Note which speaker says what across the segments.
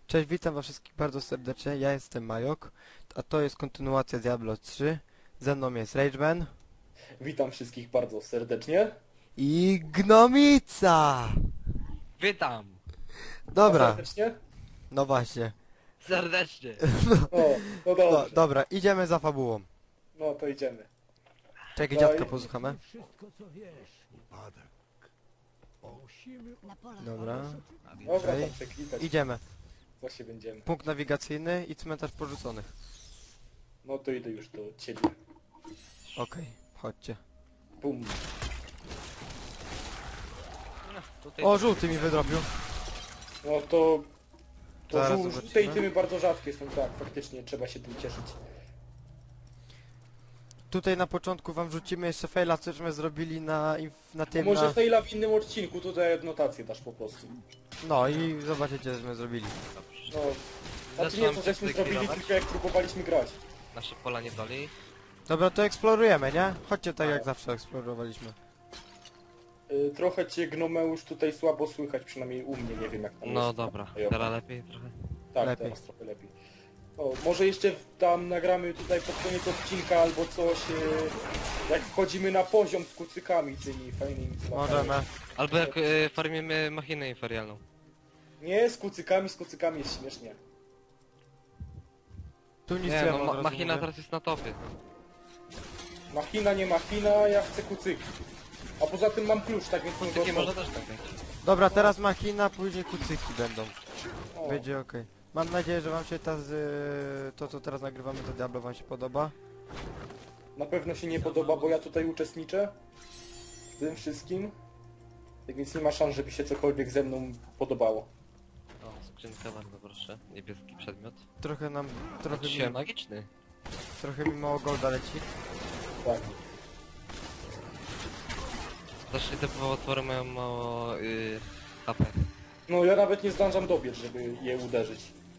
Speaker 1: Cześć, witam was wszystkich bardzo serdecznie, ja jestem Majok, a to jest kontynuacja Diablo 3. Ze mną jest Rageman
Speaker 2: Witam wszystkich bardzo serdecznie.
Speaker 1: i Gnomica!
Speaker 3: Witam!
Speaker 2: A
Speaker 1: Dobra,
Speaker 2: serdecznie?
Speaker 1: no właśnie.
Speaker 3: Serdecznie!
Speaker 2: O, no
Speaker 1: No,
Speaker 2: dobrze.
Speaker 1: dobra, idziemy za fabułą.
Speaker 2: No to idziemy.
Speaker 1: Czekaj,
Speaker 2: No
Speaker 1: dziadka
Speaker 2: i-
Speaker 1: posłuchamy.
Speaker 4: Wszystko co wiesz. Upadek. Musimy
Speaker 5: Na polach.
Speaker 1: Dobra,
Speaker 2: Dobra,
Speaker 1: Okej.
Speaker 2: tam przeklikać.
Speaker 1: idziemy.
Speaker 2: Co się będziemy.
Speaker 1: Punkt nawigacyjny i cmentarz porzuconych.
Speaker 2: No to idę już do ciebie.
Speaker 1: Okej, chodźcie.
Speaker 2: Bum.
Speaker 3: No, tutaj
Speaker 1: O, żółty mi wydrobił.
Speaker 2: No to... To
Speaker 1: Zaraz
Speaker 2: żółte
Speaker 1: zobaczymy.
Speaker 2: i tymy bardzo rzadkie są, tak, faktycznie trzeba się tym cieszyć.
Speaker 1: Tutaj na początku wam rzucimy jeszcze faila, cośmy zrobili na
Speaker 2: A
Speaker 1: tym,
Speaker 2: może
Speaker 1: na...
Speaker 2: faila w innym odcinku, tutaj adnotację dasz po prostu.
Speaker 1: No i zobaczycie, cośmy zrobili.
Speaker 2: No... Znaczy nie, to żeśmy zrobili, tylko jak próbowaliśmy grać.
Speaker 3: nasze pola nie doli.
Speaker 1: Dobra, to eksplorujemy, nie? Chodźcie tak jak
Speaker 2: Tak.
Speaker 1: zawsze eksplorowaliśmy.
Speaker 2: Trochę cię Gnomeusz tutaj słabo słychać, przynajmniej u mnie, nie wiem jak tam
Speaker 3: No
Speaker 2: jest.
Speaker 3: dobra,
Speaker 2: Jo.
Speaker 3: teraz lepiej trochę.
Speaker 2: Tak,
Speaker 1: Lepiej.
Speaker 2: teraz trochę lepiej. O, może jeszcze tam nagramy tutaj pod koniec odcinka albo coś, jak wchodzimy na poziom z kucykami tymi fajnymi. co latają.
Speaker 1: Możemy.
Speaker 3: Albo jak farmimy machinę inferialną.
Speaker 2: Nie, z kucykami jest śmiesznie.
Speaker 1: Tu nic
Speaker 3: Nie
Speaker 1: nie
Speaker 3: no,
Speaker 1: ma, od razu
Speaker 3: machina
Speaker 1: mówię.
Speaker 3: teraz jest na topie.
Speaker 2: Machina, nie machina, ja chcę kucyki. A poza tym mam klucz, tak więc nie
Speaker 3: Takie
Speaker 2: go
Speaker 3: można też tak mieć.
Speaker 1: Dobra, teraz machina, później kucyki będą.
Speaker 2: O,
Speaker 1: Będzie okej. Mam nadzieję, że wam się to co teraz nagrywamy, to Diablo wam się podoba.
Speaker 2: na pewno się nie podoba, bo ja tutaj uczestniczę w tym wszystkim. Tak więc nie ma szans, żeby się cokolwiek ze mną podobało.
Speaker 3: O, skrzynka bardzo proszę. Niebieski przedmiot.
Speaker 1: Trochę nam,
Speaker 3: Dzisiaj magiczny.
Speaker 1: trochę mi mało golda leci.
Speaker 2: Tak.
Speaker 3: Zawsze te potwory mają mało HP.
Speaker 2: No ja nawet nie zdążam dobiec, żeby je uderzyć.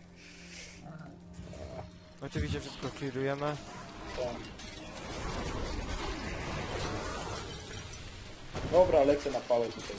Speaker 1: Oczywiście wszystko clearujemy.
Speaker 2: Tak. Dobra, lecę na pałę tutaj.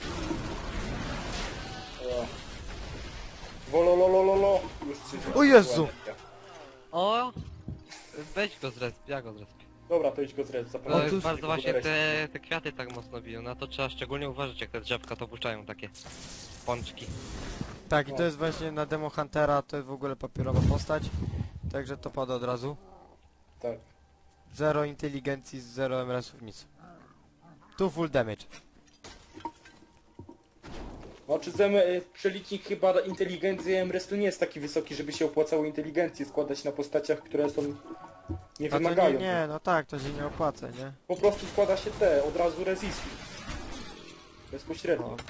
Speaker 2: O. Wolololololo. Już 3.
Speaker 1: O Jezu!
Speaker 3: O! Weź go zresp, ja go zrespię.
Speaker 2: Dobra, to idź go zrec,
Speaker 3: To
Speaker 2: zapomnę.
Speaker 3: jest
Speaker 1: Otóż-
Speaker 3: bardzo właśnie te kwiaty tak mocno biją. Na to trzeba szczególnie uważać, jak te drzewka to puszczają takie pączki.
Speaker 1: Tak, i to jest właśnie na Demo Huntera, to jest w ogóle papierowa postać. Także to pada od razu.
Speaker 2: Tak.
Speaker 1: Zero inteligencji, zero MRS-ów, nic. Tu full damage.
Speaker 2: Znaczy przelicznik chyba inteligencji MRS nie jest taki wysoki, żeby się opłacało inteligencję składać na postaciach, które są... nie
Speaker 1: A to
Speaker 2: wymagają.
Speaker 1: nie, no tak, to się nie opłaca, nie?
Speaker 2: Po prostu składa się od razu resisty. Bezpośrednio.
Speaker 1: O.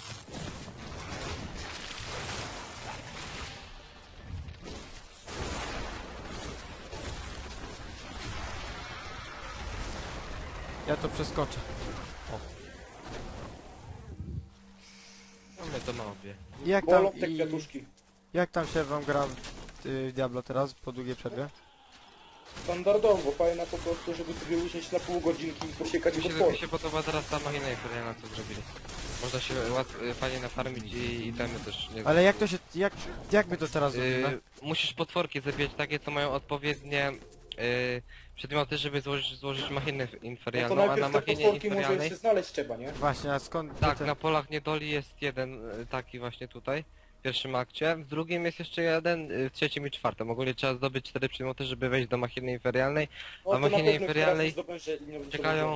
Speaker 1: Ja to przeskoczę.
Speaker 3: No my to małpie.
Speaker 1: Jak tam,
Speaker 2: Bolą te kwiatuszki.
Speaker 1: jak tam się wam gra w Diablo teraz, po długiej przerwie?
Speaker 2: Standardowo, fajna po prostu, żeby sobie usiąść na pół godzinki i posiekać
Speaker 3: Mi
Speaker 2: potwory.
Speaker 3: się podoba teraz ta machina inferialna, co zrobili. Można się fajnie nafarmić i itemy też nie...
Speaker 1: Ale jak to się, jak my to teraz
Speaker 3: Yy,
Speaker 1: zrobimy?
Speaker 3: musisz potworki zabijać takie, co mają odpowiednie przedmioty, żeby złożyć machinę
Speaker 2: No to
Speaker 3: inferialną, a na
Speaker 2: najpierw te
Speaker 3: machinie
Speaker 2: potworki może
Speaker 3: inferialnej...
Speaker 2: jeszcze znaleźć trzeba, nie?
Speaker 1: Właśnie, a skąd...
Speaker 3: Tak,
Speaker 1: te-
Speaker 3: na polach niedoli jest jeden taki właśnie tutaj, w pierwszym akcie, w drugim jest jeszcze jeden, w trzecim i czwartym. Ogólnie trzeba zdobyć 4 przedmioty, żeby wejść do machiny inferialnej.
Speaker 2: No,
Speaker 3: A
Speaker 2: to na
Speaker 3: machinie
Speaker 2: pewno
Speaker 3: inferialnej
Speaker 2: teraz zdobędzie- nie-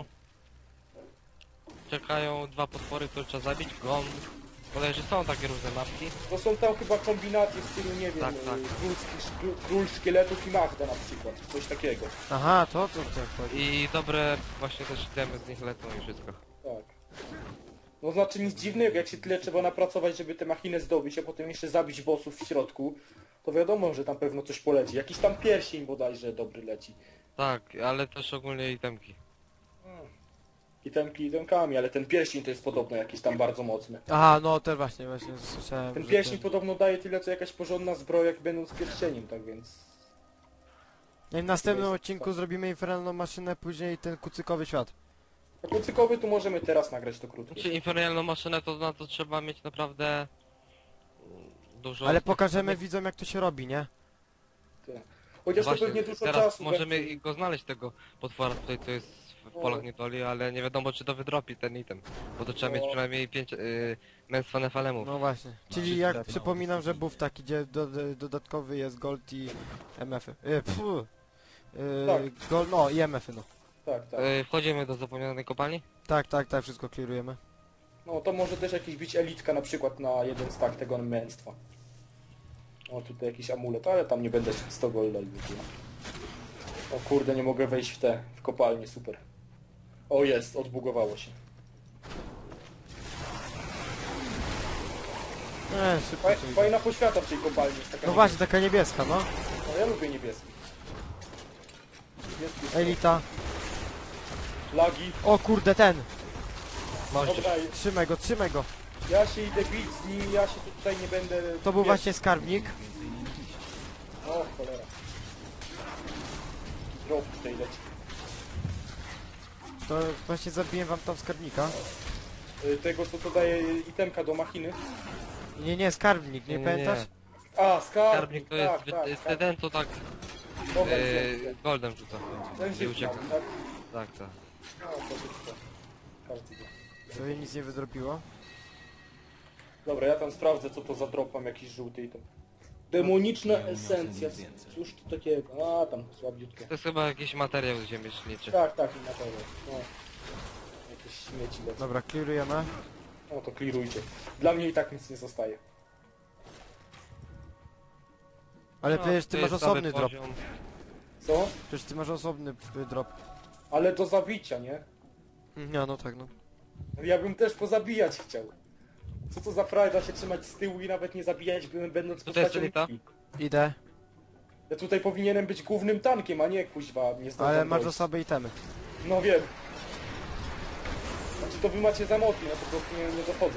Speaker 3: czekają dwa potwory, które trzeba zabić, gom. Bodajże są takie różne mapki.
Speaker 2: To są tam chyba kombinacje w stylu, nie wiem,
Speaker 3: Tak, tak.
Speaker 2: król szkieletów i Magda na przykład, coś takiego.
Speaker 1: Aha, to tak chodzi.
Speaker 3: I dobre właśnie też itemy z nich lecą i wszystko.
Speaker 2: Tak. No znaczy nic dziwnego, jak się tyle trzeba napracować, żeby tę machinę zdobyć, a potem jeszcze zabić bossów w środku, to wiadomo, że tam pewno coś poleci. Jakiś tam pierścień bodajże dobry leci.
Speaker 3: Tak, ale też ogólnie itemki.
Speaker 2: Itemkami, ale ten pierścień to jest podobno jakiś tam bardzo mocny.
Speaker 1: Aha, no też właśnie słyszałem,
Speaker 2: Ten
Speaker 1: że
Speaker 2: pierścień podobno daje tyle co jakaś porządna zbroja, jak będąc pierścieniem, tak więc...
Speaker 1: I w następnym
Speaker 2: jest-
Speaker 1: odcinku zrobimy infernalną maszynę, później ten kucykowy świat.
Speaker 2: A kucykowy tu możemy teraz nagrać to krótko.
Speaker 3: Znaczy infernalną maszynę to na to trzeba mieć naprawdę dużo...
Speaker 1: Ale pokażemy widzom jak to się robi, nie?
Speaker 2: Chociaż to
Speaker 3: Właśnie,
Speaker 2: pewnie dużo
Speaker 3: teraz
Speaker 2: czasu
Speaker 3: możemy
Speaker 2: będzie.
Speaker 3: i go znaleźć tego potwora tutaj, co jest w
Speaker 2: No.
Speaker 3: polach niedoli, ale nie wiadomo czy to wydropi ten item. Bo to trzeba
Speaker 2: No.
Speaker 3: mieć przynajmniej 5 męstwa nefalemów.
Speaker 1: No właśnie. Czyli jak przypominam, że buff taki, gdzie dodatkowy jest gold i MF-y.
Speaker 2: Tak.
Speaker 1: Gold, no i MF-y, no.
Speaker 2: Tak, tak.
Speaker 3: Wchodzimy do zapomnianej kopalni?
Speaker 1: Tak, tak, tak, wszystko clearujemy.
Speaker 2: No to może też jakiś być elitka na przykład na jeden stack tego męstwa. O, tutaj jakiś amulet, ale tam nie będę 100 golda i w ogóle. O kurde, nie mogę wejść w kopalnię, super. O jest, odbugowało się.
Speaker 1: Szybko się idzie.
Speaker 2: Fajna poświata w tej kopalni jest taka
Speaker 1: No właśnie, taka niebieska, no.
Speaker 2: No ja lubię niebieski. Niebieski jest
Speaker 1: Elita.
Speaker 2: lagi.
Speaker 1: O kurde, ten!
Speaker 3: Możesz.
Speaker 2: Dobra,
Speaker 1: Trzymaj go.
Speaker 2: ja się idę bić z nim, ja się tutaj nie będę...
Speaker 1: To był właśnie skarbnik.
Speaker 2: O cholera. Drop tutaj leci.
Speaker 1: To właśnie zabiłem wam tam skarbnika.
Speaker 2: Tego co to daje itemka do machiny.
Speaker 1: Nie, skarbnik, nie
Speaker 3: Nie,
Speaker 1: pamiętasz?
Speaker 2: A, skarbnik,
Speaker 3: Skarbnik to jest
Speaker 2: tak.
Speaker 3: ten co tak
Speaker 2: Dobra,
Speaker 3: goldem rzuca.
Speaker 2: ten
Speaker 3: I
Speaker 2: się
Speaker 3: ucieka.
Speaker 2: tak?
Speaker 3: Tak, tak.
Speaker 2: No, to szybko. Każdy wie.
Speaker 1: Sobie nic nie wydrobiło.
Speaker 2: Dobra, ja tam sprawdzę co to za drop, mam jakiś żółty item. Demoniczna esencja. Cóż to takiego? A, tam słabiutkie.
Speaker 3: To jest chyba jakiś materiał ziemieślniczy.
Speaker 2: Tak, tak, i na pewno. No. Jakieś śmieci lecą.
Speaker 1: Dobra, clearujemy.
Speaker 2: No to klirujcie. Dla mnie i tak nic nie zostaje.
Speaker 1: Ale
Speaker 3: No,
Speaker 1: przecież
Speaker 3: to
Speaker 1: ty masz
Speaker 3: jest
Speaker 1: osobny
Speaker 3: cały
Speaker 1: drop.
Speaker 3: poziom.
Speaker 2: Co?
Speaker 1: Przecież ty masz osobny drop.
Speaker 2: Ale do zabicia, nie?
Speaker 1: Nie, no tak, no.
Speaker 2: Ja bym też pozabijać chciał. Co to za frajda się trzymać z tyłu i nawet nie zabijać, będąc
Speaker 3: Tutaj jest
Speaker 2: postacią
Speaker 3: elita?
Speaker 2: Miki.
Speaker 1: Idę.
Speaker 2: Ja tutaj powinienem być głównym tankiem, a nie kuźwa, nie zdążam
Speaker 1: Ale masz za
Speaker 2: dojść.
Speaker 1: sobie itemy.
Speaker 2: No wiem. Znaczy to wy macie za mocno, ja po prostu nie dochodzę.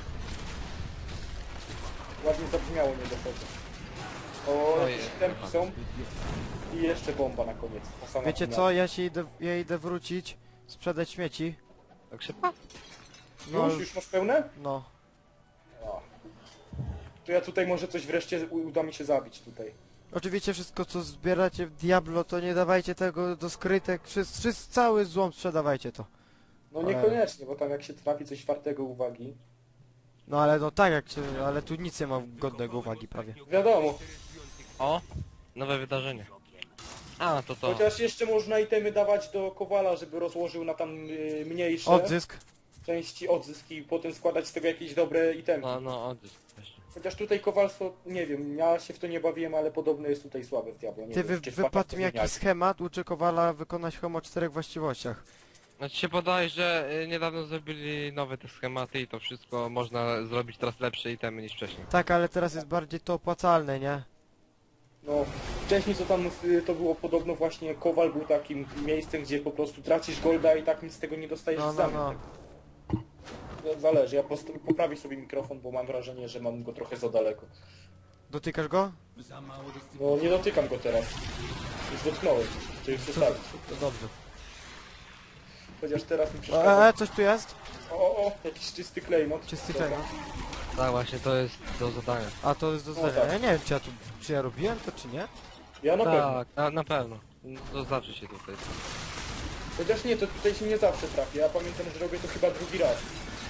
Speaker 2: Ładnie zabrzmiało, nie dochodzę. O,
Speaker 3: Ojej.
Speaker 2: jakieś tempi są. I jeszcze bomba na koniec. ta sama
Speaker 1: Wiecie
Speaker 2: chwila.
Speaker 1: co, ja idę wrócić, sprzedać śmieci.
Speaker 3: Tak szybko?
Speaker 1: No,
Speaker 2: Już masz pełne?
Speaker 1: no.
Speaker 2: A. To ja tutaj może coś wreszcie uda mi się zabić tutaj.
Speaker 1: Oczywiście wszystko co zbieracie w Diablo, to nie dawajcie tego do skrytek, cały złom sprzedawajcie to.
Speaker 2: No
Speaker 1: Ale-
Speaker 2: niekoniecznie, bo tam jak się trafi coś wartego uwagi.
Speaker 1: No ale no tak jak się, ale tu nic nie ma godnego uwagi prawie.
Speaker 2: Wiadomo,
Speaker 3: O! Nowe wydarzenie. A, to to.
Speaker 2: chociaż jeszcze można itemy dawać do Kowala, żeby rozłożył na tam mniejsze
Speaker 1: Odzysk.
Speaker 2: części odzysk i potem składać z tego jakieś dobre itemy.
Speaker 3: No, odzysk właśnie.
Speaker 2: Chociaż tutaj kowalstwo, nie wiem, ja się w to nie bawiłem, ale podobno jest tutaj słabe w Diablo. Nie
Speaker 1: Ty
Speaker 2: wiem, czy
Speaker 1: wypadł
Speaker 2: wpadł
Speaker 1: mi jakiś schemat, uczy Kowala wykonać homo o 4 właściwościach.
Speaker 3: Znaczy się podaje, że niedawno zrobili nowe te schematy i to wszystko można zrobić teraz lepsze itemy niż wcześniej.
Speaker 1: Tak, ale teraz jest bardziej to opłacalne, nie?
Speaker 2: No, wcześniej co tam to było podobno właśnie Kowal był takim miejscem, gdzie po prostu tracisz golda i tak nic z tego nie dostajesz
Speaker 1: No,
Speaker 2: w
Speaker 1: no,
Speaker 2: zamian.
Speaker 1: no.
Speaker 2: Zależy, ja poprawię sobie mikrofon, bo mam wrażenie, że mam go trochę za daleko.
Speaker 1: Dotykasz go?
Speaker 2: No nie dotykam go teraz. Już dotknąłem, czyli przestawić.
Speaker 1: To dobrze.
Speaker 2: Chociaż teraz mi przeszkadza.
Speaker 1: Coś tu jest?
Speaker 2: O, jakiś czysty klejnot.
Speaker 1: Czysty
Speaker 2: Dobra.
Speaker 1: klejnot.
Speaker 3: Tak, właśnie to jest do zadania.
Speaker 1: A to jest do
Speaker 2: No
Speaker 1: zdania.
Speaker 2: tak.
Speaker 1: Ja nie wiem czy ja robiłem to czy nie?
Speaker 2: Ja na pewno.
Speaker 3: Tak, na pewno. To zawsze się tutaj.
Speaker 2: Chociaż nie, to tutaj się nie zawsze trafię. Ja pamiętam, że robię to chyba drugi raz.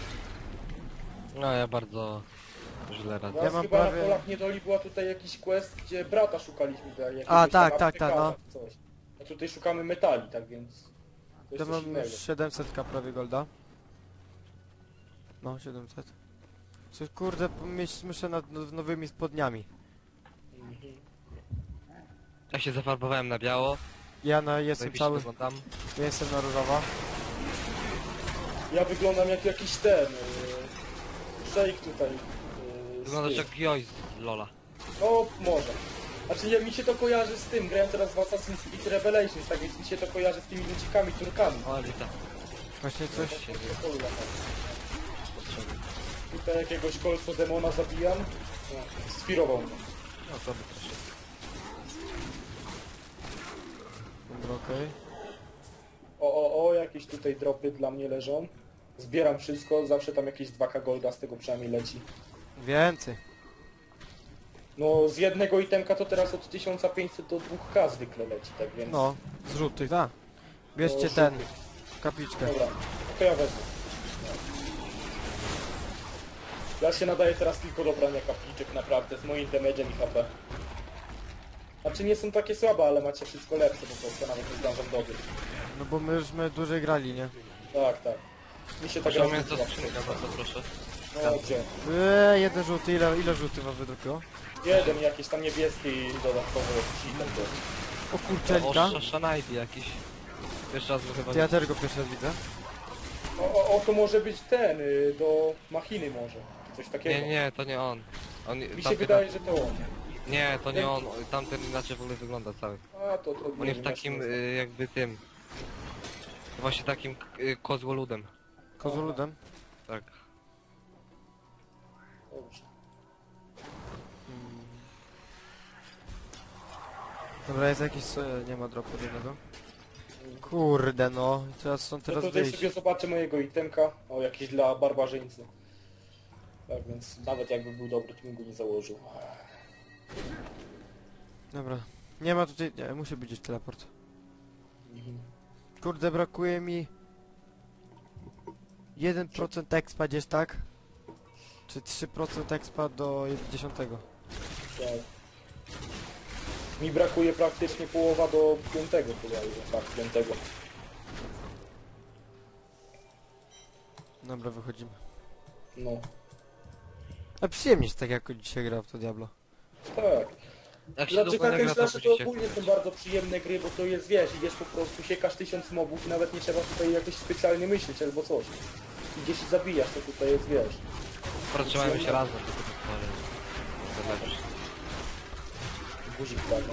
Speaker 3: No ja bardzo źle radzę.
Speaker 2: Raz
Speaker 1: mam
Speaker 2: chyba
Speaker 1: prawie-
Speaker 2: na polach niedoli była tutaj jakiś quest, gdzie brata szukaliśmy. Jakiegoś
Speaker 1: A,
Speaker 2: tam
Speaker 1: tak,
Speaker 2: aptekarza
Speaker 1: no.
Speaker 2: czy coś. A tutaj szukamy metali, tak więc... To
Speaker 1: Ja
Speaker 2: jest coś
Speaker 1: mam
Speaker 2: innego.
Speaker 1: 700 prawie golda. No, 700. Coś kurde, muszę nad nowymi spodniami.
Speaker 2: Mhm.
Speaker 3: Ja się zafarbowałem na biało.
Speaker 1: Jestem
Speaker 3: zajebiście
Speaker 1: cały,
Speaker 3: wyglądam.
Speaker 1: ja jestem na różowo.
Speaker 2: Ja wyglądam jak jakiś ten... Shake tutaj.
Speaker 3: Wyglądasz
Speaker 2: z
Speaker 3: jak
Speaker 2: tym.
Speaker 3: Joyce z Lola.
Speaker 2: No, może. Znaczy mi się to kojarzy z tym, grałem teraz w Assassin's Creed Revelations, tak więc mi się to kojarzy z tymi ludzikami, turkami.
Speaker 3: O, Elita.
Speaker 1: Właśnie coś...
Speaker 3: Się nie
Speaker 2: Polu latam.
Speaker 3: potrzebuje.
Speaker 2: Tutaj jakiegoś kolco demona zabijam. No, sfirował mnie.
Speaker 3: No to by proszę.
Speaker 1: Dobra, okej.
Speaker 2: O, jakieś tutaj dropy dla mnie leżą. Zbieram wszystko, zawsze tam jakieś 2K golda z tego przynajmniej leci.
Speaker 1: Więcej.
Speaker 2: No z jednego itemka to teraz od 1500 do 2K zwykle leci, tak więc...
Speaker 1: No, z żółtych, tak. Bierzcie
Speaker 2: No,
Speaker 1: ten,
Speaker 2: żółtych.
Speaker 1: kapliczkę.
Speaker 2: Dobra, to ja wezmę. Ja się nadaję teraz tylko do brania kapliczek, naprawdę, z moim damage'em i HP. Znaczy nie są takie słabe, ale macie wszystko lepsze, po prostu nawet nie zdążam dobyć.
Speaker 1: No bo my żeśmy dłużej grali, nie?
Speaker 2: Tak, tak. Mi się tak
Speaker 3: Proszę mnie
Speaker 2: rozwija.
Speaker 3: to skrzynka, bardzo proszę.
Speaker 2: No gdzie?
Speaker 1: Jeden żółty, ile żółty wam wydrukiło?
Speaker 2: Jeden jakiś tam niebieski i dodatkowo jakiś item to.
Speaker 1: O kurczę, Elita.
Speaker 3: O, Shanaidi jakiś. Pierwszy raz go chyba
Speaker 1: To ja też go pierwszy raz widzę.
Speaker 2: O, to może być ten, do machiny może. Czy coś takiego.
Speaker 3: Nie, to nie on. On
Speaker 2: Mi się
Speaker 3: tamten-
Speaker 2: wydaje, że to on.
Speaker 3: Nie, to nie on. Tamten inaczej w ogóle wygląda cały.
Speaker 2: A, to
Speaker 3: On
Speaker 2: nie
Speaker 3: jest
Speaker 2: wiem, ja się
Speaker 3: takim
Speaker 2: nie znam.
Speaker 3: jakby tym. Właśnie takim kozłoludem.
Speaker 1: Kozoludem.
Speaker 3: Tak.
Speaker 2: Dobrze.
Speaker 1: Dobra, jest jakiś... nie ma dropu jednego. Kurde no, teraz są
Speaker 2: No
Speaker 1: teraz
Speaker 2: to tutaj
Speaker 1: wyjść.
Speaker 2: sobie zobaczę mojego itemka. O, jakiś dla barbarzyńcy. Tak więc nawet jakby był dobry, to bym go nie założył.
Speaker 1: Dobra. Nie ma tutaj... nie, musi być gdzieś teleport.
Speaker 2: Mhm.
Speaker 1: Kurde, brakuje mi... 1% expa gdzieś, tak? Czy 3% expa do 10?
Speaker 2: Tak. Mi brakuje praktycznie połowa do 5 chyba, tak, 5.
Speaker 1: Dobra, wychodzimy.
Speaker 2: No,
Speaker 1: A przyjemnie jest tak jak dzisiaj grał w to Diablo.
Speaker 2: tak.
Speaker 3: Jak się
Speaker 2: Znaczy
Speaker 3: długo nie
Speaker 2: hack and
Speaker 3: gra, to
Speaker 2: slashy to
Speaker 3: budzicie.
Speaker 2: ogólnie są bardzo przyjemne gry, bo to jest, wiesz, idziesz po prostu, siekasz 1000 mobów i nawet nie trzeba tutaj jakoś specjalnie myśleć albo coś. Idziesz i zabijasz, to tutaj jest, wiesz.
Speaker 3: Trzymajmy się razem, tylko to lepsze.
Speaker 2: Guzik prawda.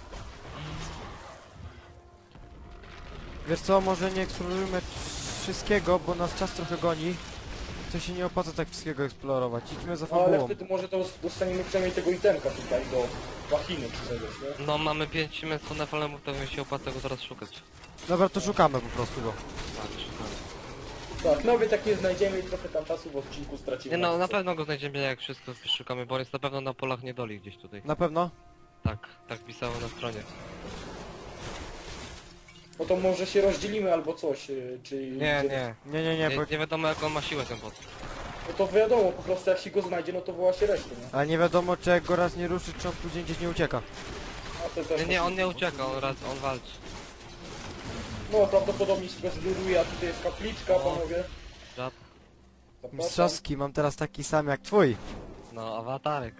Speaker 1: Wiesz co, może nie eksplorujmy wszystkiego, bo nas czas trochę goni. To się nie opłaca tak wszystkiego eksplorować. Idźmy za
Speaker 2: No ale
Speaker 1: fabułą.
Speaker 2: wtedy może to dostaniemy przynajmniej tego itemka tutaj do machiny czy czegoś, nie?
Speaker 3: No mamy 5 męstwo nefolemów, to mi się opłaca go teraz szukać.
Speaker 1: Dobra, to szukamy po prostu go.
Speaker 3: Patrz,
Speaker 2: Tak, nawet jak nie znajdziemy i trochę tam czasu w odcinku stracimy.
Speaker 3: Nie no, na pewno go znajdziemy jak wszystko szukamy, bo on jest na pewno na polach niedoli gdzieś tutaj.
Speaker 1: Na pewno?
Speaker 3: Tak, tak pisało na stronie.
Speaker 2: No to może się rozdzielimy albo coś, czy...
Speaker 3: Nie, nie.
Speaker 1: Nie,
Speaker 3: Nie,
Speaker 1: bo...
Speaker 3: nie wiadomo jak on ma siłę ten bot.
Speaker 2: No to wiadomo, po prostu jak się go znajdzie, no to woła się resztę, nie?
Speaker 1: Ale nie wiadomo, czy jak go raz nie ruszy, czy on później gdzieś nie ucieka.
Speaker 2: A to też
Speaker 3: Nie, on nie ucieka, on walczy.
Speaker 2: No prawdopodobnie się go zluruje, a tutaj jest kapliczka,
Speaker 3: O.
Speaker 2: panowie.
Speaker 3: Żab.
Speaker 2: Zapraszam.
Speaker 1: Mistrzowski, mam teraz taki sam jak twój.
Speaker 3: No, awatarek.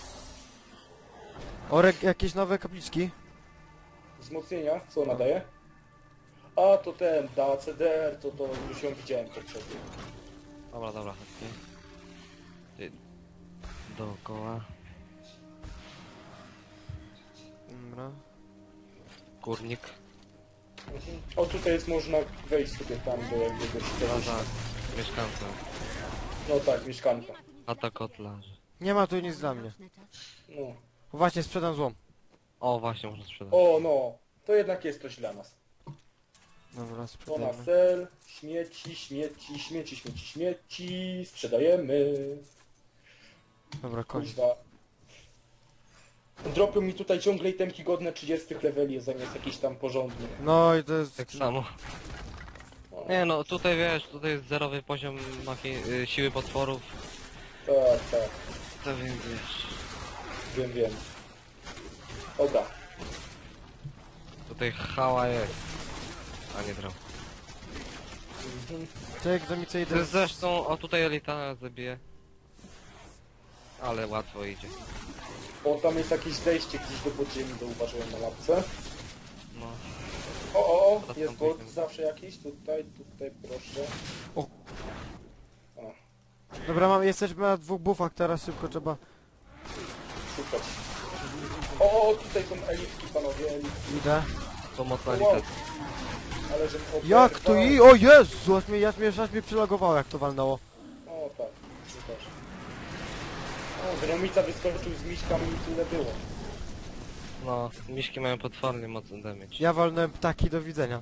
Speaker 1: Orek, jakieś nowe kapliczki?
Speaker 2: Wzmocnienia, co ona daje? A to ten, da CDR, to już ją widziałem poprzednio.
Speaker 3: Dobra, chodźcie. Ty- Dookoła.
Speaker 1: Dobra.
Speaker 3: Górnik.
Speaker 2: Mhm. O tutaj jest można wejść sobie tam do jakiegoś...
Speaker 3: Plaza. Mieszkańca.
Speaker 2: No tak, mieszkanka.
Speaker 3: Chata kotlarzy.
Speaker 1: Nie ma tu nic dla mnie.
Speaker 2: No.
Speaker 1: Właśnie, sprzedam złom.
Speaker 3: O, właśnie, można sprzedać.
Speaker 2: O no, to jednak jest coś dla nas.
Speaker 1: Dobra,
Speaker 2: To na
Speaker 1: sprzedajemy.
Speaker 2: sel, śmieci, sprzedajemy.
Speaker 1: Dobra, koniec.
Speaker 2: Kuźwa. Dropią mi tutaj ciągle itemki godne 30 leveli, zamiast jakiś tam porządny.
Speaker 1: No i to jest...
Speaker 3: Tak samo.
Speaker 2: O,
Speaker 3: Nie no, tutaj wiesz, tutaj jest zerowy poziom siły potworów.
Speaker 2: tak, tak,
Speaker 3: To więc wiesz.
Speaker 2: wiem. Dobra.
Speaker 3: Tutaj hała jest. A nie drał.
Speaker 2: Mhm.
Speaker 1: Czek, do mi co
Speaker 3: To
Speaker 1: idę...
Speaker 3: jest zresztą, o tutaj elita zabije. Ale łatwo idzie.
Speaker 2: O, tam jest jakieś zejście gdzieś do podziemi, zauważyłem na mapce.
Speaker 3: No.
Speaker 2: O,
Speaker 3: Teraz
Speaker 2: jest
Speaker 3: tam
Speaker 2: bot
Speaker 3: pójdziemy.
Speaker 2: zawsze jakiś, tutaj proszę.
Speaker 1: Dobra, jesteśmy na 2 buffach, teraz szybko trzeba...
Speaker 2: Szukać. O, tutaj są elitki, panowie, elitki.
Speaker 1: Idę.
Speaker 3: To mocna
Speaker 2: Wow.
Speaker 3: elita.
Speaker 2: Ale że...
Speaker 1: Jak to i... O Jezu, aż mnie przylogowało jak to walnęło.
Speaker 2: O, tak, to też. O, Gnomica wyskoczył z miśkami i tyle było.
Speaker 3: No, miśki mają potwornie mocny damage.
Speaker 1: Ja walnąłem ptaki, do widzenia.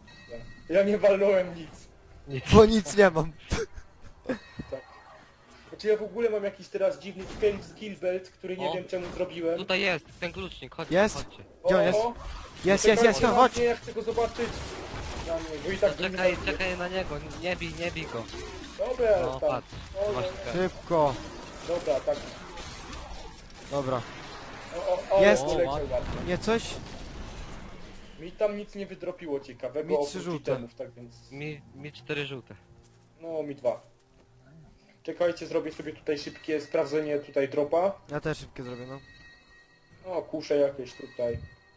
Speaker 2: Ja nie walnąłem nic.
Speaker 3: Nic.
Speaker 1: Bo nic nie mam.
Speaker 2: Czy ja w ogóle mam jakiś teraz dziwny skill belt, który nie
Speaker 3: O.
Speaker 2: wiem czemu zrobiłem?
Speaker 3: Tutaj jest, ten klucznik, chodźcie,
Speaker 1: Jest?
Speaker 3: chodźcie.
Speaker 1: Gdzie on jest?
Speaker 2: O,
Speaker 1: Jest,
Speaker 2: czekajcie na
Speaker 1: chodź!
Speaker 2: mnie, ja chcę go zobaczyć. Na mnie, bo i tak go nie
Speaker 3: Czekaj,
Speaker 2: zabiję.
Speaker 3: czekaj na niego, nie bij go.
Speaker 2: Dobra,
Speaker 3: No,
Speaker 2: tam.
Speaker 3: patrz,
Speaker 2: O,
Speaker 3: masz
Speaker 2: dobra,
Speaker 3: ten.
Speaker 1: Szybko.
Speaker 2: dobra, tak.
Speaker 1: Dobra.
Speaker 2: O,
Speaker 1: Jest.
Speaker 2: poleciał ładnie.
Speaker 1: Nie coś?
Speaker 2: Mi tam nic nie wydropiło ciekawego
Speaker 1: Mi 3
Speaker 2: oprócz
Speaker 1: żółte.
Speaker 2: itemów, tak więc...
Speaker 3: Mi 4 żółte.
Speaker 2: No, mi 2. Czekajcie, zrobię sobie tutaj szybkie sprawdzenie tutaj dropa.
Speaker 1: Ja też szybkie zrobię, no.
Speaker 2: O, kusze jakieś tutaj.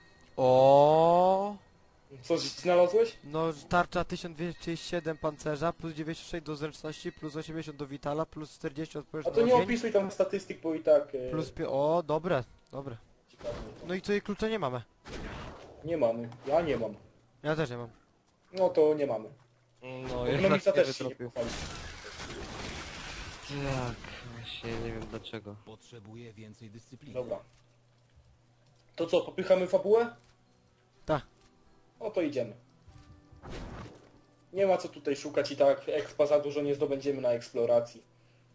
Speaker 1: O.
Speaker 2: Coś znalazłeś?
Speaker 1: No tarcza 1237 pancerza, plus 96 do zręczności, plus 80 do vitala, plus 40
Speaker 2: A
Speaker 1: odpowiedź
Speaker 2: to
Speaker 1: na
Speaker 2: nie
Speaker 1: ogień,
Speaker 2: opisuj tam statystyk, bo i tak...
Speaker 1: plus o, dobre, dobre.
Speaker 2: ciekawe.
Speaker 1: No i tutaj klucze nie mamy.
Speaker 2: Nie mamy. Ja nie mam.
Speaker 1: Ja też nie mam.
Speaker 2: No to nie mamy.
Speaker 3: No,
Speaker 2: Ekonomista
Speaker 3: jednak
Speaker 2: też się nie
Speaker 3: wytropił.
Speaker 2: pochwali.
Speaker 3: Tak, właśnie nie wiem dlaczego.
Speaker 4: Potrzebuję więcej dyscypliny.
Speaker 2: Dobra. To co, popychamy fabułę?
Speaker 1: Tak.
Speaker 2: No to idziemy. Nie ma co tutaj szukać i tak expa za dużo nie zdobędziemy na eksploracji.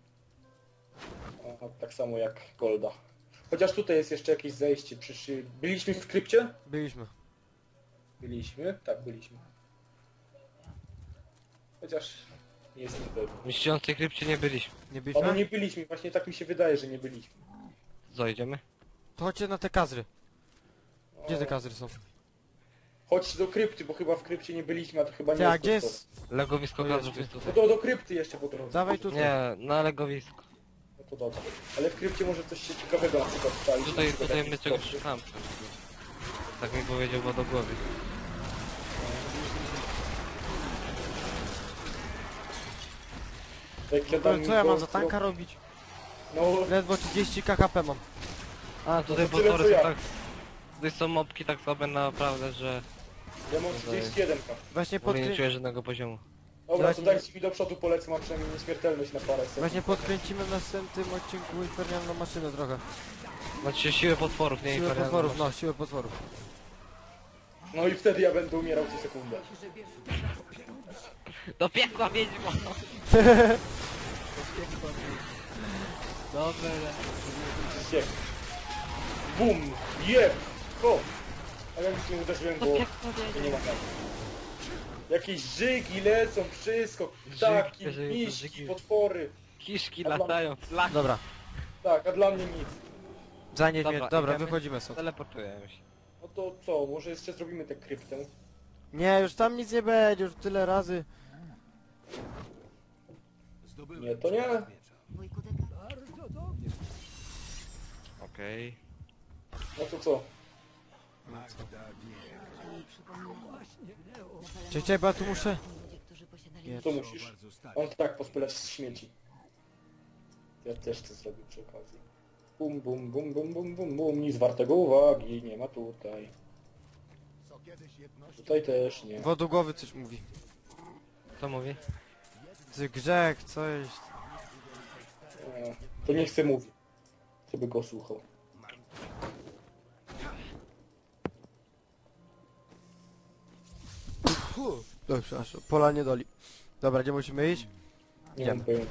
Speaker 2: A, tak samo jak Golda. Chociaż tutaj jest jeszcze jakieś zejście. Byliśmy w krypcie?
Speaker 1: Byliśmy.
Speaker 2: Byliśmy? Tak, byliśmy. Chociaż nie jestem pewien.
Speaker 3: W niszczącej krypcie nie byliśmy.
Speaker 1: Nie
Speaker 2: O, no
Speaker 1: byliśmy?
Speaker 2: nie byliśmy, właśnie tak mi się wydaje, że nie byliśmy.
Speaker 3: Zajdziemy?
Speaker 1: To chodźcie na te kazry. Gdzie te kazry są?
Speaker 2: Chodź do krypty, bo chyba w krypcie nie byliśmy, a to chyba nie
Speaker 1: Ty, a
Speaker 2: jest
Speaker 1: gdzie
Speaker 2: to.
Speaker 1: jest?
Speaker 3: Legowisko
Speaker 1: To
Speaker 3: gazów
Speaker 1: jest-
Speaker 3: jest
Speaker 2: No
Speaker 3: tutaj.
Speaker 2: to do krypty jeszcze po drodze.
Speaker 1: Dawaj tutaj.
Speaker 3: Nie, na legowisku.
Speaker 2: No to dobra. Ale w krypcie może coś się ciekawego na przykład stać.
Speaker 3: Tutaj my czegoś szukamy. Tak mi powiedział wodogłowie.
Speaker 1: Co ja mam za tanka robić?
Speaker 2: No,
Speaker 1: Ledwo 30 KHP mam.
Speaker 3: A, tutaj
Speaker 2: to tyle,
Speaker 3: potwory
Speaker 2: co
Speaker 3: są
Speaker 2: ja.
Speaker 3: tak... Tutaj są mobki tak słabe naprawdę, że
Speaker 2: ja mam 31.
Speaker 1: Właśnie,
Speaker 3: w ogóle nie czuję żadnego poziomu.
Speaker 2: Dobra, to dajcie mi do przodu polecę, mam przynajmniej nieśmiertelność na parę sekund.
Speaker 1: Właśnie podkręcimy w następnym odcinku infernalną maszynę trochę.
Speaker 3: Znaczy siłę potworów, nie
Speaker 1: Siłę
Speaker 3: infernalną
Speaker 1: potworów,
Speaker 3: maszynę.
Speaker 1: no, siłę potworów.
Speaker 2: No i wtedy ja będę umierał co sekundę.
Speaker 3: Do piekła wiedźmo! Dobra.
Speaker 2: Siek. Bum! Jeb! Ho! A ja już nie uderzyłem, bo nie ma tak. Jakieś żygi lecą, wszystko, ptaki,
Speaker 3: żygi,
Speaker 2: miśki,
Speaker 3: żygi.
Speaker 2: potwory.
Speaker 3: Kiszki
Speaker 2: A dla-
Speaker 3: latają, flaki.
Speaker 1: Dobra,
Speaker 2: Tak, a dla mnie nic.
Speaker 1: zanieś mnie.
Speaker 3: Dobra,
Speaker 1: Dobra,
Speaker 3: idziemy.
Speaker 1: wychodzimy stąd.
Speaker 3: Teleportujemy się.
Speaker 2: No to co, może jeszcze zrobimy tę kryptę?
Speaker 1: Nie, już tam nic nie będzie, już tyle razy.
Speaker 4: Zdobyłem
Speaker 2: Nie, to nie.
Speaker 5: Wujku Deka,
Speaker 4: bardzo dobrze.
Speaker 3: Okej.
Speaker 2: No to co?
Speaker 4: Magda wie.
Speaker 5: mi przypomina
Speaker 4: Właśnie, Leo.
Speaker 1: Cześć, bo ja tu muszę.
Speaker 5: ludzie, którzy posiadali
Speaker 1: Nie.
Speaker 2: Co musisz?
Speaker 4: Bardzo stary.
Speaker 2: On tak pospylać z śmieci. Ja też chcę zrobić przy okazji. Bum, bum, bum, bum, bum, bum, bum. Nic wartego uwagi, nie ma tutaj. Tutaj też nie.
Speaker 1: Wodogłowy coś mówi.
Speaker 3: Co mówi?
Speaker 1: Ty grzech, coś.
Speaker 2: To nie chcę mówić. Chcę by go słuchał.
Speaker 1: Dobrze, przepraszam, pola nie doli. Dobra, gdzie musimy iść?
Speaker 2: Nie
Speaker 1: Idziemy.
Speaker 2: mam pojęcia.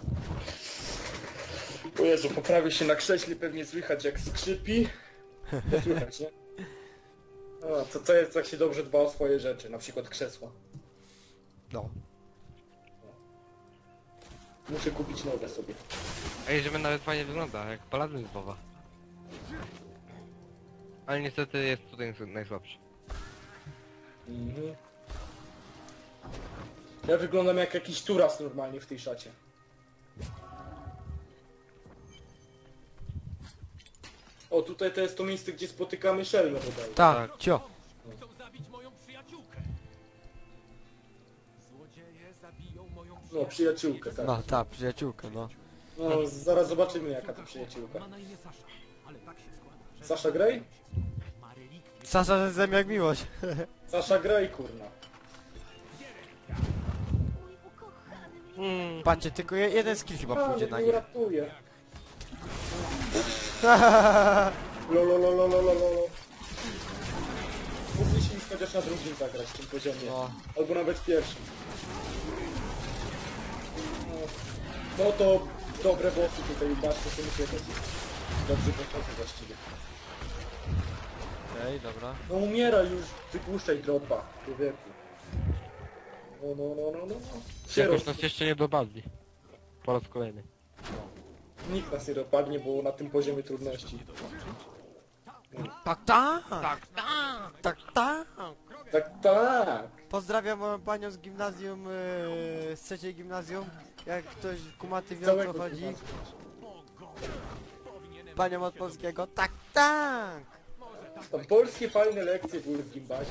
Speaker 2: O Jezu, poprawię się na krześle, pewnie słychać jak skrzypi. Słychać, nie? A, co jest, jak się dobrze dba o swoje rzeczy, na przykład krzesła.
Speaker 1: No.
Speaker 2: Muszę kupić nowe sobie.
Speaker 3: Ej, żeby nawet fajnie wygląda, jak paladyn z WoWa. Ale niestety jest tutaj najsłabszy.
Speaker 2: Mhm. Ja wyglądam jak jakiś turas normalnie w tej szacie. O, tutaj to jest to miejsce, gdzie spotykamy Shelmę bodaj.
Speaker 1: Tak, cio.
Speaker 4: Chcą zabić moją przyjaciółkę. Złodzieje zabiją moją
Speaker 2: No, przyjaciółkę, tak.
Speaker 1: No, ta przyjaciółka, no.
Speaker 2: No, zaraz zobaczymy jaka to przyjaciółka.
Speaker 4: Ma na imię Sasza, ale tak się składa, że
Speaker 2: Sasha Grey?
Speaker 4: ma relikwie.
Speaker 1: Sasza ze jak miłość.
Speaker 2: Sasha Grey, kurna.
Speaker 5: mój ukochany.
Speaker 1: Patrzcie, tylko jeden skill chyba pójdzie na
Speaker 2: nie
Speaker 1: nich.
Speaker 2: uratuje. Lololololololo. Mogliśmy chociaż na drugim zagrać w tym poziomie.
Speaker 1: No.
Speaker 2: Albo nawet pierwszym. No to dobre bossy tutaj, bardzo się muszę jakoś dobrze pochodzę właściwie.
Speaker 1: Okej, dobra.
Speaker 2: No umieraj już, wypuszczaj dropa, człowieku. No. Się
Speaker 3: Jakoś
Speaker 2: roz...
Speaker 3: nas jeszcze nie dopadli. Po raz kolejny.
Speaker 2: Nikt nas nie dopadnie, bo na tym poziomie trudności.
Speaker 1: Tak, tak! Tak, tak!
Speaker 2: Tak.
Speaker 1: Pozdrawiam moją panią z gimnazjum, z trzeciej gimnazjum. Jak ktoś kumaty wie o
Speaker 2: Całego
Speaker 1: co chodzi.
Speaker 2: gimnazjum.
Speaker 1: Panią od polskiego. Tak, tak!
Speaker 2: Tam polskie fajne lekcje były w gimbazie.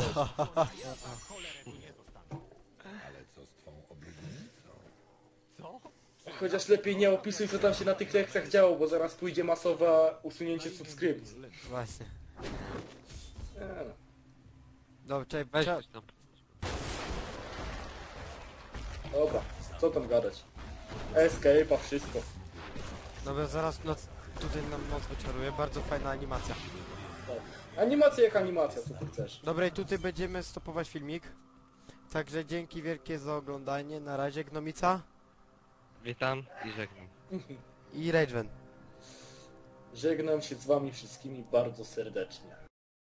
Speaker 2: Chociaż lepiej nie opisuj, co tam się na tych lekcjach działo, bo zaraz pójdzie masowe usunięcie subskrypcji.
Speaker 1: Właśnie.
Speaker 2: No.
Speaker 1: Dobra, czekaj,
Speaker 3: Weź
Speaker 1: trzeba...
Speaker 3: coś tam.
Speaker 2: Dobra, co tam gadać? Escape'a, wszystko.
Speaker 1: Dobra, zaraz noc... Tutaj nam noc wyczaruje. Bardzo fajna animacja.
Speaker 2: Tak. Animacja jak animacja, co ty chcesz.
Speaker 1: Dobra, i tutaj będziemy stopować filmik. Także dzięki wielkie za oglądanie. Na razie Gnomica
Speaker 3: Witam i żegnam.
Speaker 1: i Rageven.
Speaker 2: Żegnam się z wami wszystkimi bardzo serdecznie.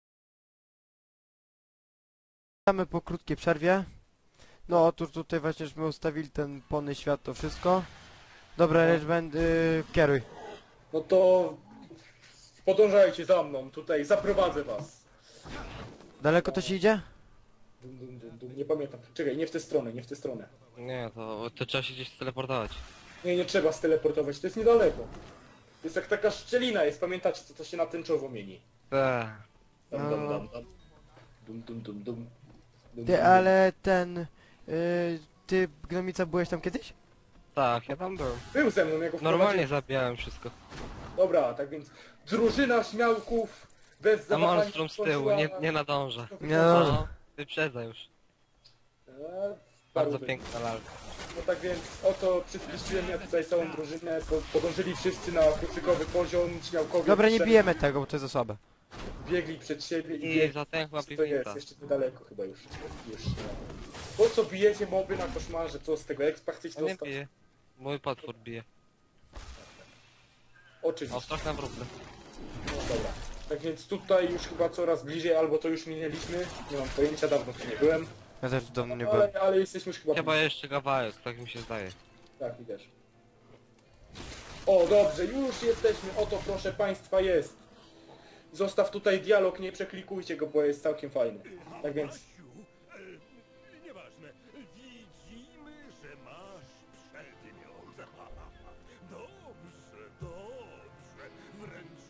Speaker 1: Witamy po krótkiej przerwie. No otóż tutaj właśnie żeśmy ustawili ten pony świat, to wszystko. Dobra, Rageven, kieruj.
Speaker 2: No to... Podążajcie za mną, tutaj zaprowadzę was.
Speaker 1: Daleko to się idzie?
Speaker 2: Dum, nie pamiętam. Czekaj, nie w tę stronę, nie w tę stronę.
Speaker 3: Nie, to trzeba się gdzieś steleportować.
Speaker 2: Nie trzeba steleportować, to jest niedaleko. To jest jak taka szczelina jest, pamiętacie, co to się na tęczowo mieni.
Speaker 3: Eee.
Speaker 2: Dum. Dum.
Speaker 1: Ty, ale ten... ty, Gnomica, byłeś tam kiedyś?
Speaker 3: Tak, ja tam byłem.
Speaker 2: Był ze mną, ja go
Speaker 3: Normalnie
Speaker 2: wprowadziłem.
Speaker 3: zabijałem wszystko.
Speaker 2: Dobra, tak więc drużyna śmiałków bez
Speaker 3: A
Speaker 2: zawahania
Speaker 3: monstrum z tyłu,
Speaker 2: skończyła-
Speaker 3: nie nadąża.
Speaker 1: Nie nadąża.
Speaker 3: No, wyprzedza już. Bardzo
Speaker 2: Paruby.
Speaker 3: piękna lalka.
Speaker 2: No tak więc oto przyspieszyłem ja tutaj całą drużynę, podążyli wszyscy na kucykowy poziom, śmiałkowie
Speaker 1: Dobra, nie
Speaker 2: przed-
Speaker 1: bijemy tego, bo to jest za słabe.
Speaker 2: biegli przed siebie i
Speaker 3: I
Speaker 2: biegli.
Speaker 3: zatęchła
Speaker 2: To jest,
Speaker 3: piwnica.
Speaker 2: jeszcze niedaleko chyba już. Po co bijecie moby na koszmarze, co z tego expa chcecie
Speaker 3: On nie
Speaker 2: dostać?
Speaker 3: bije. Mój potwór bije.
Speaker 2: Oczywiście.
Speaker 3: O, strach na wróble.
Speaker 2: No dobra. Tak więc tutaj już chyba coraz bliżej, albo to już minęliśmy. Nie mam pojęcia, dawno tu nie byłem.
Speaker 1: Ja też dawno nie byłem.
Speaker 2: Ale jesteśmy już chyba
Speaker 3: Chyba
Speaker 2: bliżej.
Speaker 3: jeszcze kawałek, tak mi się zdaje.
Speaker 2: Tak, i też. O, dobrze, już jesteśmy. Oto, proszę państwa, jest. Zostaw tutaj dialog, nie przeklikujcie go, bo jest całkiem fajny. Tak więc...
Speaker 4: Nieważne. Widzimy, że masz przedmiot. Dobrze. Wręcz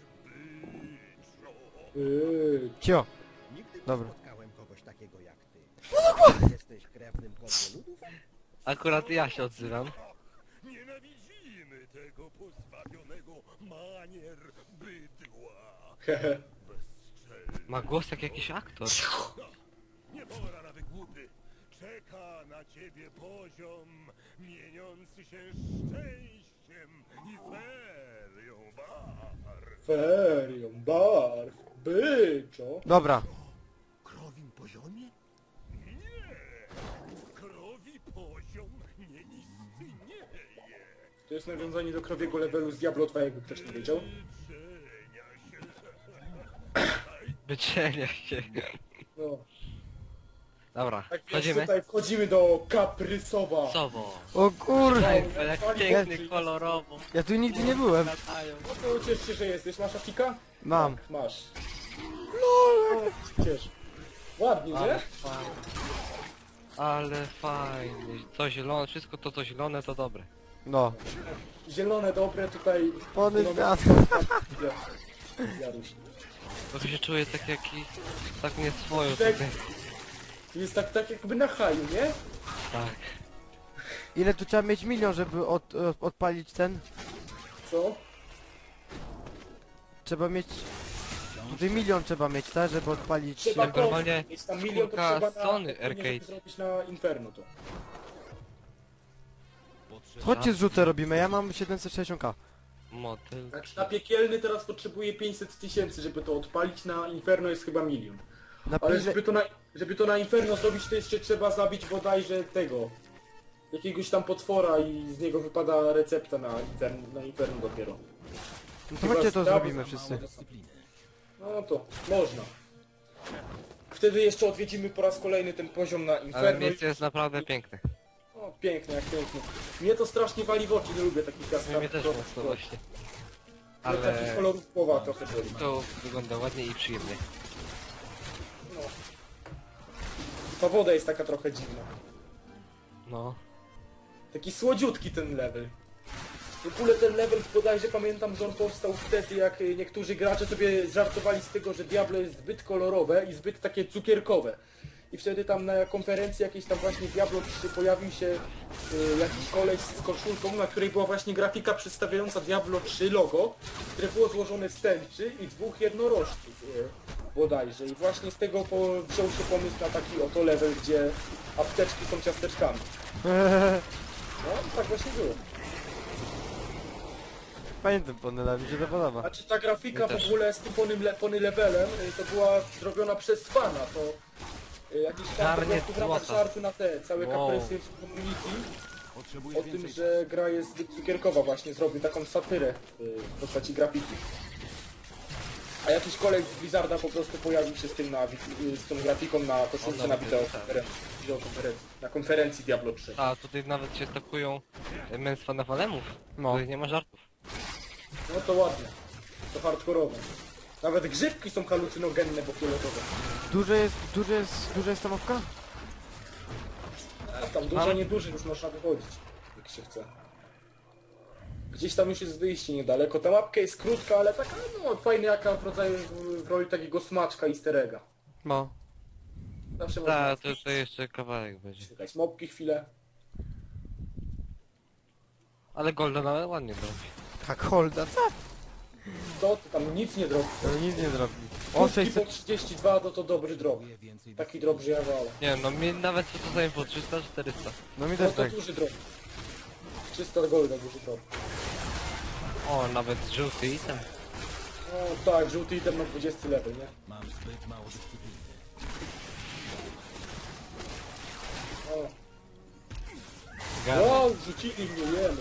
Speaker 4: byczo.
Speaker 1: Cio.
Speaker 6: Nigdy nie
Speaker 1: Dobra.
Speaker 6: spotkałem kogoś takiego jak ty. Jesteś krewnym kosmoludów?
Speaker 3: Akurat ja się odzywam.
Speaker 4: Nienawidzimy tego pozbawionego manier bydła.
Speaker 2: Hehe.
Speaker 4: Bezczelny.
Speaker 3: Ma głos jak jakiś aktor.
Speaker 4: Nie pora na wygłupy. Czeka na ciebie poziom mieniący się szczęściem i ferią barw.
Speaker 2: Ferią, barw, byczo.
Speaker 1: Dobra.
Speaker 6: Krowim poziomie?
Speaker 4: Nie! Krowi poziom nie istnieje.
Speaker 2: To jest nawiązanie do krowiego levelu z Diablo 2, jakby ktoś nie wiedział.
Speaker 3: Wyczenia się.
Speaker 2: No.
Speaker 3: Dobra,
Speaker 2: Tak więc
Speaker 3: chodzimy.
Speaker 2: tutaj wchodzimy do Kaprysowa.
Speaker 3: Sowo.
Speaker 1: O kurde.
Speaker 3: Jak piękny, kolorowo.
Speaker 1: Ja tu nigdy nie byłem.
Speaker 3: Latają.
Speaker 2: No to ciesz się, że jesteś. Masz afika?
Speaker 1: Mam.
Speaker 2: Tak, masz. No, ciesz. Ładnie,
Speaker 3: Ale
Speaker 2: nie?
Speaker 3: fajnie. Ale fajnie. Co zielone, wszystko to co zielone to dobre.
Speaker 1: No.
Speaker 2: Zielone, dobre, tutaj...
Speaker 1: Pony
Speaker 2: no,
Speaker 1: świat.
Speaker 2: Jaruś.
Speaker 3: To się czuję tak jaki... tak nie swoją
Speaker 2: Tak.
Speaker 3: tutaj.
Speaker 2: To jest tak jakby na haju, nie?
Speaker 3: Tak.
Speaker 1: Ile tu trzeba mieć milion, żeby odpalić ten?
Speaker 2: Co?
Speaker 1: Trzeba mieć... Tutaj milion trzeba mieć, tak? Żeby odpalić...
Speaker 2: Trzeba
Speaker 3: Jak normalnie
Speaker 2: jest tam milion, to
Speaker 3: skórka
Speaker 2: trzeba na...
Speaker 3: Sony
Speaker 2: to nie, żeby
Speaker 3: Arcade.
Speaker 2: zrobić na Inferno to.
Speaker 1: Chodźcie zrzutę robimy, ja mam 760k.
Speaker 3: Motyl.
Speaker 2: Znaczy na piekielny teraz potrzebuję 500 000, żeby to odpalić, na Inferno jest chyba milion.
Speaker 1: Na
Speaker 2: Ale
Speaker 1: pile...
Speaker 2: żeby to na Inferno zrobić, to jeszcze trzeba zabić bodajże tego... jakiegoś tam potwora i z niego wypada recepta na Inferno dopiero.
Speaker 1: No to chodźcie to zrobimy wszyscy.
Speaker 2: No to można. Wtedy jeszcze odwiedzimy po raz kolejny ten poziom na
Speaker 3: Ale
Speaker 2: Inferno.
Speaker 3: miejsce jest naprawdę piękne.
Speaker 2: O, pięknie, jak pięknie. Mnie to strasznie wali w oczy, nie lubię takich kaskad.
Speaker 3: Mnie też mocno właśnie.
Speaker 2: Ale takich
Speaker 3: Ale
Speaker 2: kolorów połowa trochę boli.
Speaker 3: to wygląda ładnie i przyjemnie.
Speaker 2: No. Ta woda jest taka trochę dziwna.
Speaker 3: No.
Speaker 2: Taki słodziutki ten level. W ogóle ten level bodajże pamiętam, że on powstał wtedy, jak niektórzy gracze sobie żartowali z tego, że Diablo jest zbyt kolorowe i zbyt takie cukierkowe. I wtedy tam na konferencji jakiejś tam właśnie Diablo 3 pojawił się jakiś koleś z koszulką, na której była właśnie grafika przedstawiająca Diablo 3 logo, które było złożone z tęczy i dwóch jednorożców bodajże. I właśnie z tego wziął się pomysł na taki oto level, gdzie apteczki są ciasteczkami. No, tak właśnie było.
Speaker 1: Fajny ten Ponyla, mi się to podoba.
Speaker 2: Znaczy ta grafika
Speaker 3: My też.
Speaker 2: w ogóle z tym pony levelem to była zrobiona przez fana, to jakiś fan po
Speaker 3: Garniec
Speaker 2: prostu w ramach
Speaker 3: złota.
Speaker 2: żartu na te całe
Speaker 3: Wow.
Speaker 2: kaprysy w community o tym, że gra jest zbyt cukierkowa właśnie, zrobił taką satyrę w postaci grafiki. A jakiś kolej z Blizzarda po prostu pojawił się z tym z tą grafiką na koszulce na wideokonferencji, na konferencji Diablo 3.
Speaker 3: A tutaj nawet się stakują męstwa na walemów.
Speaker 1: No.
Speaker 3: Tutaj nie ma żartów.
Speaker 2: No to ładnie, to hardkorowe. Nawet grzybki są halucynogenne, bo fioletowe.
Speaker 1: Duża jest ta mapka?
Speaker 2: A tam dużo, nieduży, już można wychodzić, jak się chce. Gdzieś tam już jest wyjście niedaleko. Ta mapka jest krótka, ale taka, no fajna jaka w roli takiego smaczka easter egga.
Speaker 1: No.
Speaker 2: Zawsze można
Speaker 3: Tak, to jeszcze kawałek będzie.
Speaker 2: czekać mopki chwilę.
Speaker 3: Ale Golden ale ładnie robi.
Speaker 1: Tak, holda, co?
Speaker 2: To tam nic nie drobi.
Speaker 1: To nic nie zrobi. O,
Speaker 2: Krótki po
Speaker 1: 600...
Speaker 2: 32 to dobry drop. Taki drop, że ja wolę.
Speaker 3: Nie no, mi nawet co to zajmie po 300, 400.
Speaker 1: No mi
Speaker 2: No
Speaker 1: też
Speaker 2: to
Speaker 1: tak.
Speaker 2: duży drop. 300 golda duży drop.
Speaker 3: O, nawet żółty item.
Speaker 2: No tak, żółty item na 20 level, nie?
Speaker 6: Mam zbyt mało dyscypliny.
Speaker 2: O.
Speaker 3: Gada.
Speaker 2: Wow, rzucili mnie, jemy.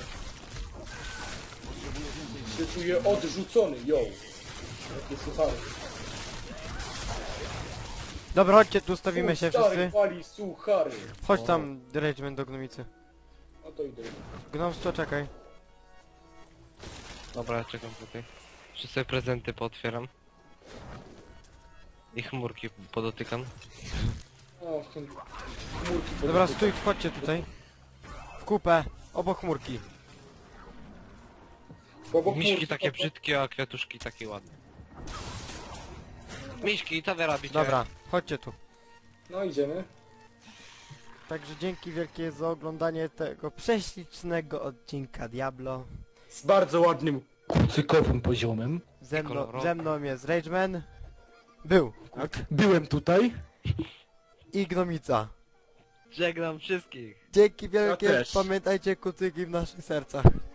Speaker 2: Się czuję odrzucony, yo. Jakie suchary.
Speaker 1: Dobra, chodźcie, tu stawimy się
Speaker 2: Stary
Speaker 1: wszyscy.
Speaker 2: pali suchary.
Speaker 1: Chodź tam, Regiment do gnomicy.
Speaker 2: No to idę.
Speaker 1: Gnomstwo, czekaj.
Speaker 3: Dobra, ja czekam tutaj. Jeszcze sobie prezenty pootwieram. I chmurki podotykam.
Speaker 2: O, chmurki pod
Speaker 1: Dobra, stój, chodźcie tutaj. W kupę, obok chmurki.
Speaker 2: Obok
Speaker 3: Miśki
Speaker 2: chmurki,
Speaker 3: takie
Speaker 2: to-
Speaker 3: brzydkie, a kwiatuszki takie ładne. Miśki, co wy robicie?
Speaker 1: Dobra, chodźcie tu.
Speaker 2: No idziemy.
Speaker 1: Także dzięki wielkie za oglądanie tego prześlicznego odcinka Diablo.
Speaker 2: Z bardzo ładnym kucykowym poziomem.
Speaker 3: kolorowe.
Speaker 1: Ze mną jest Rageman. Był.
Speaker 2: Tak. Byłem tutaj.
Speaker 1: I Gnomica.
Speaker 3: Żegnam wszystkich.
Speaker 1: Dzięki wielkie,
Speaker 2: też.
Speaker 1: pamiętajcie kucyki w naszych sercach.